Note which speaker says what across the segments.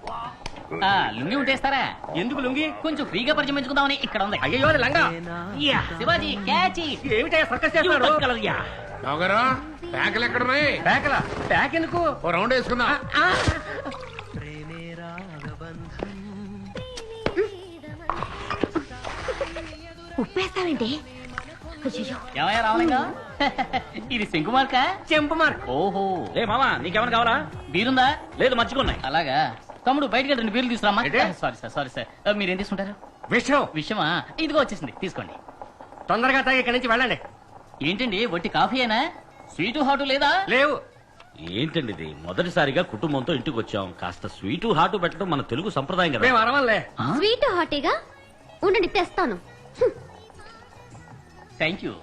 Speaker 1: లుంగి ఉంటేస్తారా? ఎందుకు లుంగి? కొంచెం ఫ్రీగా పరిచయం పెంచుకుందామని. ఇక్కడ ఉంది.
Speaker 2: అయ్యో లంగా
Speaker 1: శివాజీ క్యాచ్.
Speaker 2: ఏమిటా సర్కస్ చేస్తున్నారు?
Speaker 3: ప్యాకలు ఎక్కడున్నాయి?
Speaker 2: ప్యాకలా? ప్యాక్ ఎందుకు?
Speaker 3: ఓ రౌండ్ వేసుకుందాం.
Speaker 4: ఉప్పేస్తావేంటి?
Speaker 1: ఏమయ్యా రామలింగం, ఇది శంకు మార్క?
Speaker 2: చెంపు మార్క్.
Speaker 1: ఓహో.
Speaker 5: ఏ మామా నీకేమైనా కావాలా?
Speaker 1: బీరుందా?
Speaker 5: లేదు మర్చిపోన్నాయి.
Speaker 1: అలాగా. తమ్ముడు బయటకి 2 బీర్లు తీసుకురామా.
Speaker 2: ఏంటి?
Speaker 1: సారీ సార్ మీరేం తీసుకుంటారు?
Speaker 2: విషయం
Speaker 1: విషయమా? ఇదిగో వచ్చేసింది, తీసుకోండి.
Speaker 2: తొందరగా తాగి ఇక్కడి నుంచి వెళ్ళండి.
Speaker 1: ఏంటండి వట్టి కాఫీయేనా? స్వీటు హాటు లేదా?
Speaker 2: లేవు.
Speaker 5: ఏంటండి ఇది? మొదటిసారిగా కుటుంబంతో ఇంటికి వచ్చాం, కాస్త స్వీటు హాటు పెట్టడం మన తెలుగు సంప్రదాయం కదా.
Speaker 2: మేము అరవలే.
Speaker 4: స్వీట్ హాటీగా ఉండండి, తెస్తాను.
Speaker 1: Thank you.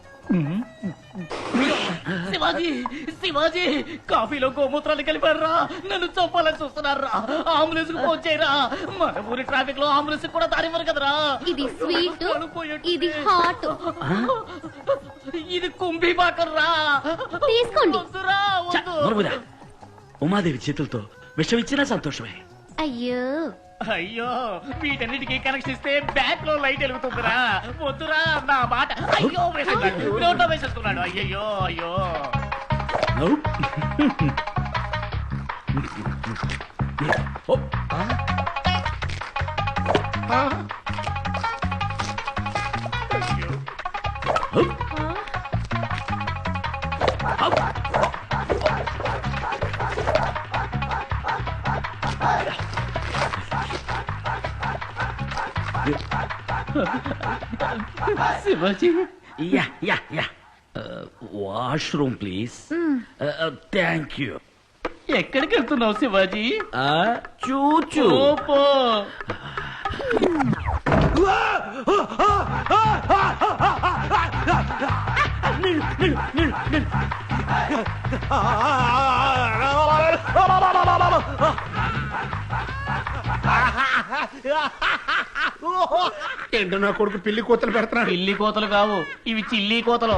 Speaker 1: శివాజీ శివాజీ, కాఫీలో గోమూత్రాలు కలిపారా? నన్ను చంపాలని చూస్తున్నారా? అంబులెన్స్ కు ఫోన్ చేయరా? మన ఊరి ట్రాఫిక్ లో అంబులెన్స్ కూడా దారివ్వరు కదరా.
Speaker 4: ఇది స్వీట్, ఇది హాట్.
Speaker 1: ఇది కుంభీ బాకర్రా.
Speaker 4: తీసుకోండి.
Speaker 1: వద్దురా,
Speaker 5: ఛ,
Speaker 1: వద్దు.
Speaker 5: నోరుమూయరా. ఉమాదేవి చేతులతో విషం ఇచ్చినా సంతోషమే.
Speaker 4: అయ్యో
Speaker 1: అయ్యో, వీటన్నిటికీ కనెక్షన్ ఇస్తే బ్యాక్ లో లైట్ వెలుగుతుందిరా. వద్దురా నా మాట. అయ్యో వేసేస్తున్నాడు, నోట్లో వేసేస్తున్నాడు. అయ్యయ్యో అయ్యో.
Speaker 5: ఓ,
Speaker 1: Shivaji,
Speaker 5: ya ya ya. Washroom please. Thank you.
Speaker 1: ఎక్కడికి వెళ్తున్నావు శివాజీ?
Speaker 5: చూచూ.
Speaker 1: ఓపో.
Speaker 3: ఏంటో నా కొడుకు పిల్లి కూతలు పెడుతున్నాడు.
Speaker 1: పిల్లి కోతలు కావు, ఇవి చిల్లి కోతలు.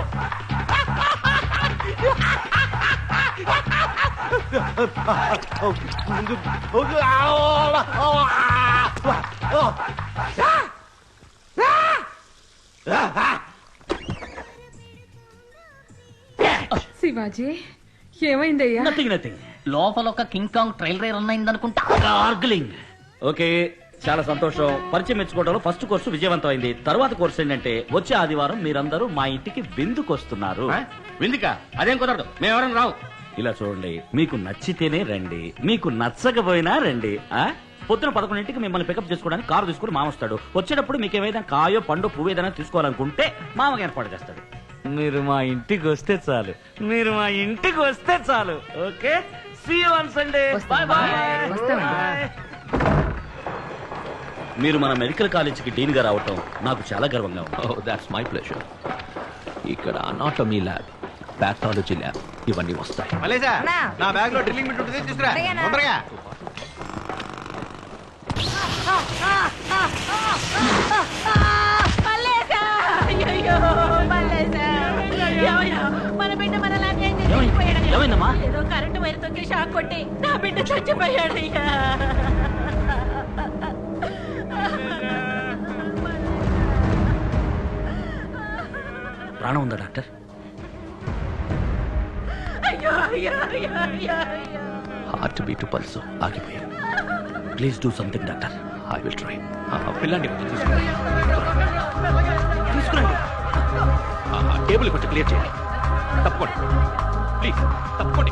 Speaker 6: శివాజీ ఏమైందయ్యా?
Speaker 5: Nothing nothing.
Speaker 1: లోపల ఒక కింగ్ కాంగ్ ట్రైల్ రన్ అయిందనుకుంటా.
Speaker 5: గార్గ్లింగ్. ఓకే, చాలా సంతోషం. పరిచయం మెచ్చుకోవడంలో ఫస్ట్ కోర్సు విజయవంతం అయింది. తర్వాత కోర్సు ఏంటంటే వచ్చే ఆదివారం మీరందరూ మా ఇంటికి విందుకు వస్తున్నారు.
Speaker 2: విందుకా? అదేం కుదరదు, మేము ఎవరైనా రావు.
Speaker 5: ఇలా చూడండి, మీకు నచ్చితేనే రండి, మీకు నచ్చకపోయినా రండి. పొద్దున 11ంటికి మిమ్మల్ని పికప్ చేసుకోవడానికి కారు తీసుకుని మామ వస్తాడు. వచ్చేటప్పుడు మీకు ఏమైనా కాయో పండు పువ్వు ఏదైనా తీసుకోవాలనుకుంటే మామకి ఏర్పాటు చేస్తాడు. మీరు మా ఇంటికి వస్తే చాలు, మీరు మా ఇంటికి వస్తే చాలు. Okay, see you on Sunday. Bye bye. మీరు మన మెడికల్ కాలేజీకి డీన్ గా రావటం నాకు చాలా గర్వంగా ఉంది.
Speaker 7: Oh, that's my pleasure. ఇక్కడ అనాటమీ ల్యాబ్, పాథాలజీ ల్యాబ్ ఇవన్నీ వస్తాయి.
Speaker 2: మలేసా, నా బ్యాగ్ లో డ్రిల్లింగ్ బిట్ ఉంటుంది, తీసుకురా తొందరగా.
Speaker 8: మన బిడ్డ మనలాగే
Speaker 5: ఏమైందమ్మా?
Speaker 8: ఏదో కరెంటు వైర్ తొక్కి షాక్ కొట్టి నా బిడ్డ చచ్చిపోయాడయ్యా.
Speaker 5: ప్రాణం ఉందా డాక్టర్?
Speaker 8: అయ్యో అయ్యో అయ్యో అయ్యో అయ్యో.
Speaker 7: హార్ట్ బీట్ పల్స్ ఆగిపోయాయి.
Speaker 5: Please do something doctor.
Speaker 7: I will try. పిల్లండి తీసుకురండి, టేబుల్ కొంచెం క్లియర్ చేయండి. తప్పకోండి ప్లీజ్, తప్పకోండి.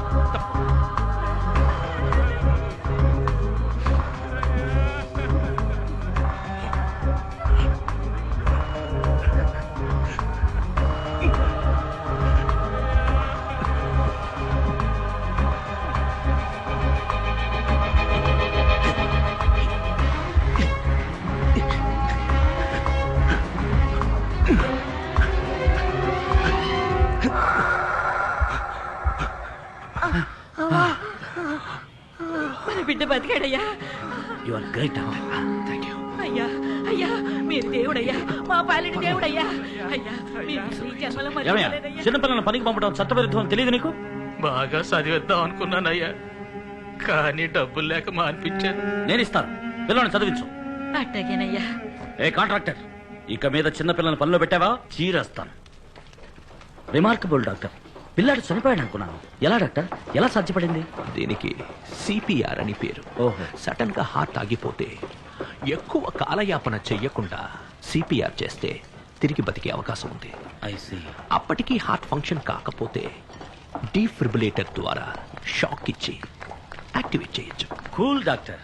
Speaker 8: మన బిడ్డ బతికాడయ్యా.
Speaker 5: You are great doctor.
Speaker 7: Thank you.
Speaker 8: అయ్యా అయ్యా, మీరు దేవుడయ్యా, మా పాలిటి దేవుడయ్యా. అయ్యా మీరు ఈ జన్మలో మర్చిపోలేదయ్యా.
Speaker 5: చిన్నపిల్లల పనికి పంపడం చట్టవిరుద్ధం తెలియదు నీకు?
Speaker 1: బాగా చదివేద్దాం అనుకున్నానయ్యా, కానీ డబ్బులు లేక మానిపించాను.
Speaker 5: నేను ఇస్తాను, పిల్లల్ని చదివించు.
Speaker 8: అట్టగేనయ్యా.
Speaker 5: ఏ కాంట్రాక్టర్, ఇక మీద చిన్న పిల్లల్ని పనిలో పెట్టావా చీరేస్తాను. రిమార్కబుల్ డాక్టర్, పిల్లాడు చనిపోయాడు అనుకున్నాను. ఎలా డాక్టర్, ఎలా సాధ్యపడింది?
Speaker 7: దీనికి సిపిఆర్ అని పేరు.
Speaker 5: ఓహో.
Speaker 7: సడన్ గా హార్ట్ ఆగిపోతే ఎక్కువ కాలయాపన చెయ్యకుండా సిపిఆర్ చేస్తే తిరిగి బతికే అవకాశం ఉంది.
Speaker 5: I see.
Speaker 7: అప్పటికీ హార్ట్ ఫంక్షన్ కాకపోతే డీఫిబ్రిలేటర్ ద్వారా షాక్ ఇచ్చి యాక్టివేట్ చేయొచ్చు.
Speaker 5: Cool doctor.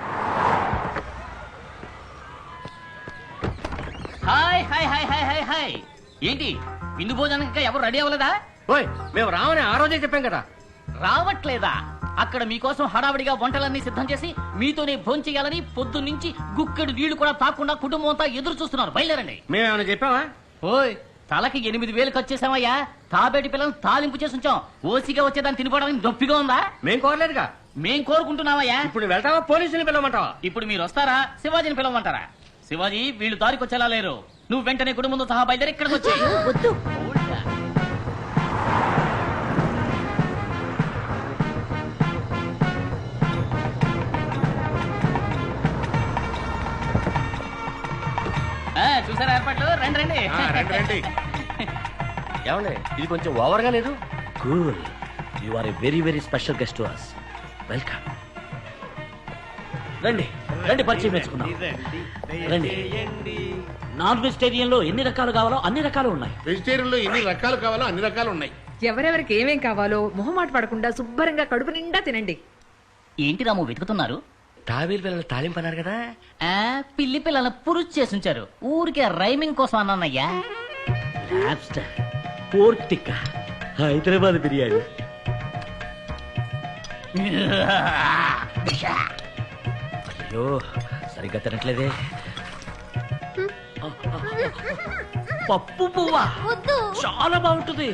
Speaker 1: Hi hi hi hi hi hi. ఏంటి విందు భోజనానికి ఎవరు రెడీ అవ్వలేదా?
Speaker 2: ఓయ్ మేము రావని ఆ రోజే చెప్పాం కదా.
Speaker 1: రావట్లేదా? అక్కడ మీకోసం హడావిడిగా వంటలన్నీ సిద్ధం చేసి మీతోనే భోంచేయాలని పొద్దున్నుంచి గుక్కెడు నీళ్లు కూడా తాకుండా కుటుంబం అంతా ఎదురు చూస్తున్నారు. బయలుదేరండి.
Speaker 2: మేమేమైనా చెప్పావా?
Speaker 1: ఓయ్, తలకి 8,000 ఖర్చు చేసామయ్యా. తాబేటి పిల్లలు తాలింపు చేసి ఉంచాం. ఓసిగా వచ్చేదాన్ని తినిపోవడానికి నొప్పిగా ఉందా?
Speaker 2: మేం కోరలేదుగా.
Speaker 1: మేం కోరుకుంటున్నామయ్యా.
Speaker 2: ఇప్పుడు వెళ్తావా, పోలీసుని పిలవమంటావా?
Speaker 1: ఇప్పుడు మీరు వస్తారా, శివాజీని పిలవమంటారా? శివాజీ, వీళ్ళు దారికి వచ్చేలా లేరు. నువ్వు వెంటనే కుటుంబంతో సహా బయలుదేరి ఇక్కడికి వచ్చే.
Speaker 8: వద్దు.
Speaker 1: చూసారా ఏర్పాట్లు? రండి రండి.
Speaker 3: రండి
Speaker 2: ఏమండి, ఇది కొంచెం ఓవర్గా లేదు?
Speaker 5: Cool. You are a very very special guest to us. Welcome. రండి రండి, పరిచయం మెచ్చుకుందాం. రండి. నాన్ వెజిటేరియన్ లో ఎన్ని రకాలు కావాలో అన్ని రకాలు ఉన్నాయి.
Speaker 3: వెజిటేరియన్ లో ఎన్ని రకాలు కావాలో అన్ని రకాలు ఉన్నాయి.
Speaker 6: ఎవరెవరికి ఏమేం కావాలో మొహమాట పడకుండా శుభ్రంగా కడుపు నిండా తినండి.
Speaker 1: ఏంటి రాము వెతుకుతున్నారు?
Speaker 2: తాబేలు పిల్లలు తాలింపు అన్నారు కదా.
Speaker 1: పిల్లి పిల్లల పురుచు చేసి ఉంచారు. ఊరికే రైమింగ్ కోసం అన్నానయ్యా.
Speaker 5: Lobster, pork tikka, Hyderabad biryani. అయ్యో, సరిగ్గా తినట్లేదే. పప్పు పువ్వా
Speaker 4: వద్దు.
Speaker 5: చాలా బాగుంటుంది.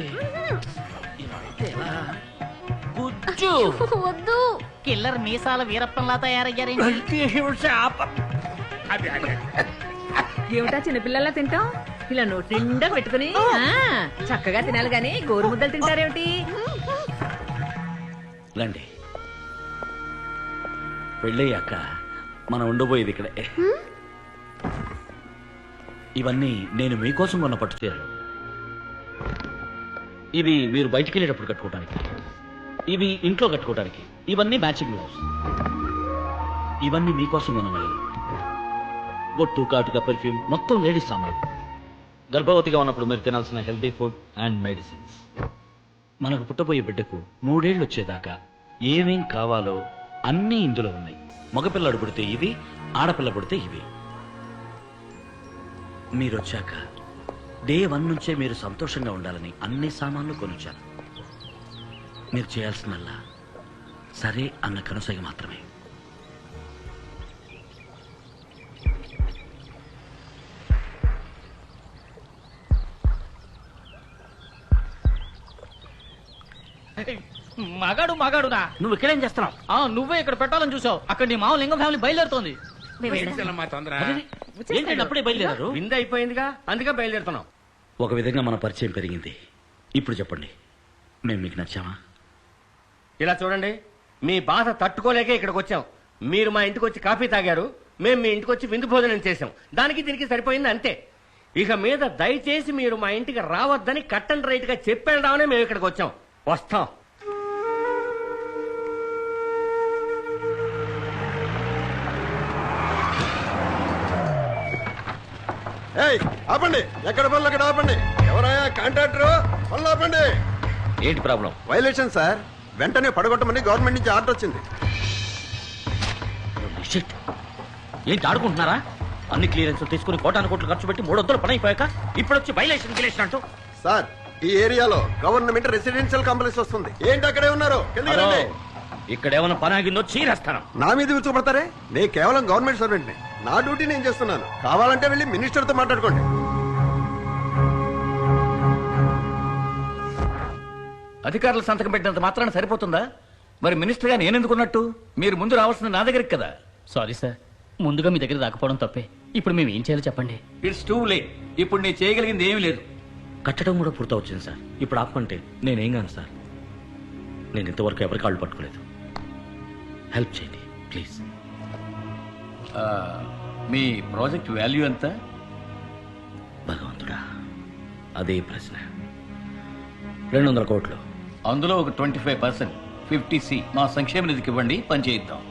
Speaker 5: గుజ్జు.
Speaker 4: వద్దు.
Speaker 1: కిల్లర్ మీసాల వీరప్పంలా తయారయ్యారేంటి?
Speaker 6: ఏమిటా చిన్నపిల్లలా తింటాం? ఇలా నోటి నిండా పెట్టుకుని చక్కగా తినాలి గాని గోరు ముద్దలు తింటారేమిటి?
Speaker 5: రండి. పెళ్ళయ్యాక మనం ఉండబోయేది ఇక్కడే. ఇవన్నీ నేను మీకోసం కొన్న పట్టు చీరలు. ఇవి మీరు బయటికి వెళ్ళేటప్పుడు కట్టుకోవడానికి, ఇవి ఇంట్లో కట్టుకోవడానికి, ఇవన్నీ మ్యాచింగ్ బ్లౌజ్. ఇవన్నీ మీకోసం కొన్నవి. బొట్టు, కాటుక, పెర్ఫ్యూమ్, మొత్తం లేడీస్ సామాన్. గర్భవతిగా ఉన్నప్పుడు మీరు తినాల్సిన హెల్తీ ఫుడ్ అండ్ మెడిసిన్స్. మనకు పుట్టబోయే బిడ్డకు 3 ఏళ్ళు వచ్చేదాకా ఏమేం కావాలో అన్నీ ఇందులో ఉన్నాయి. మగపిల్లడు పుడితే ఇవి, ఆడపిల్ల పుడితే ఇవి. మీరొచ్చాక డే 1 నుంచే మీరు సంతోషంగా ఉండాలని అన్ని సామాన్లు కొనుచ్చాను. మీరు చేయాల్సిందల్లా సరే అన్న కనుసైగ మాత్రమే.
Speaker 1: మగాడు మగాడునా?
Speaker 5: నువ్వు ఇక్కడేం చేస్తున్నావు?
Speaker 1: నువ్వే ఇక్కడ పెట్టాలని చూసావు. అక్కడ నీ మామ లింగం ఫ్యామిలీ బయలుదేరుతోంది.
Speaker 3: మా తొందర.
Speaker 5: ఏంటంటే అప్పుడే బయలుదేరారు?
Speaker 2: విందు అయిపోయిందిగా, అందుకే బయలుదేరుతున్నాం.
Speaker 5: ఒక విధంగా మన పరిచయం పెరిగింది. ఇప్పుడు చెప్పండి, మేము మీకు నచ్చామా?
Speaker 2: ఇలా చూడండి, మీ బాధ తట్టుకోలేకే ఇక్కడికి వచ్చాం. మీరు మా ఇంటికి వచ్చి కాఫీ తాగారు, మేము మీ ఇంటికి వచ్చి విందు భోజనం చేసాం. దానికి దీనికి సరిపోయింది అంతే. ఇక మీద దయచేసి మీరు మా ఇంటికి రావద్దని కట్ అండ్ రైట్ గా చెప్పేద్దామనే మేము ఇక్కడికి వచ్చాం. వస్తాం.
Speaker 9: ఆపండి, ఎక్కడ పనులు అక్కడ ఆపండి. ఎవరయ్యా కాంట్రాక్టర్? పనులు ఆపండి.
Speaker 7: ఏంటి ప్రాబ్లం?
Speaker 9: వైలేషన్ సార్, వెంటనే పడగొట్టమని గవర్నమెంట్ నుంచి ఆర్డర్ వచ్చింది.
Speaker 5: షిట్. ఏంటి ఆడుకుంటున్నారా? అన్ని క్లియరెన్స్ తీసుకుని కోటాను కోట్లు ఖర్చు పెట్టి 300 పని అయిపోయాక ఇప్పుడు వచ్చి వైలేషన్ గిలేషన్ అంటూ.
Speaker 9: సార్, ఈ ఏరియాలో గవర్నమెంట్ రెసిడెన్షియల్ కాంప్లెక్స్ వస్తుంది. ఏంటి అక్కడే ఉన్నారు? కిందకి రండి.
Speaker 5: ఇక్కడ ఏమైనా పని ఆగిందో చీరేస్తాను.
Speaker 9: నా మీద విరుచుకుపడతారే? నేను కేవలం గవర్నమెంట్ సర్వెంట్ ని. నా డ్యూటీ నేను చేస్తున్నాను. కావాలంటే వెళ్ళి మినిస్టర్ తో మాట్లాడుకోండి.
Speaker 1: అధికారులు సంతకం పెట్టినంత మాత్రాన సరిపోతుందా? మరి మినిస్టర్ గా నేనెందుకున్నట్టు? మీరు ముందు రావాల్సింది నా దగ్గరికి కదా. సారీ సార్, ముందుగా మీ దగ్గర రాకపోవడం తప్పే. ఇప్పుడు మేము ఏం చేయాలో చెప్పండి.
Speaker 10: It's too late. ఇప్పుడు నేను చేయగలిగింది ఏమీ లేదు.
Speaker 5: కట్టడం కూడా పూర్తవుతుంది సార్. ఇప్పుడు ఆపమంటే నేనేం కాను సార్. నేను ఇంతవరకు ఎవరి కాళ్ళు పట్టుకోలేదు. హెల్ప్ చేయండి ప్లీజ్.
Speaker 1: ఆ, మీ ప్రాజెక్ట్ వాల్యూ ఎంత?
Speaker 5: భగవంతుడా, అదే ప్రశ్న. 200 కోట్లు.
Speaker 1: అందులో ఒక 25% 50C మా సంక్షేమ నిధికి ఇవ్వండి, పని చేయిద్దాం.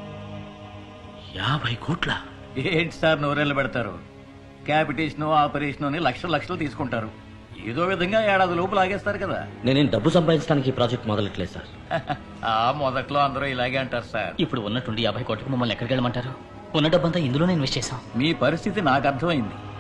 Speaker 5: 50 కోట్ల?
Speaker 1: ఏంటి సార్ నోరెళ్ళు పెడతారు? క్యాపిటేషన్ ఆపరేషన్ అని లక్షలు తీసుకుంటారు. ఏదో విధంగా ఏడాది లోపు లాగేస్తారు కదా.
Speaker 5: నేనేం డబ్బు సంపాదించడానికి ఈ ప్రాజెక్ట్ మొదలెట్లేదు సార్.
Speaker 1: ఆ మొదట్లో అందరూ ఇలాగే అంటారు సార్.
Speaker 11: ఇప్పుడు ఉన్నట్టుండి 50 కోట్లకు మమ్మల్ని ఎక్కడికి వెళ్ళమంటారు? ఉన్న డబ్బంతా ఇందులోనే ఇన్వెస్ట్ చేశాం.
Speaker 1: మీ పరిస్థితి నాకు అర్థమైంది.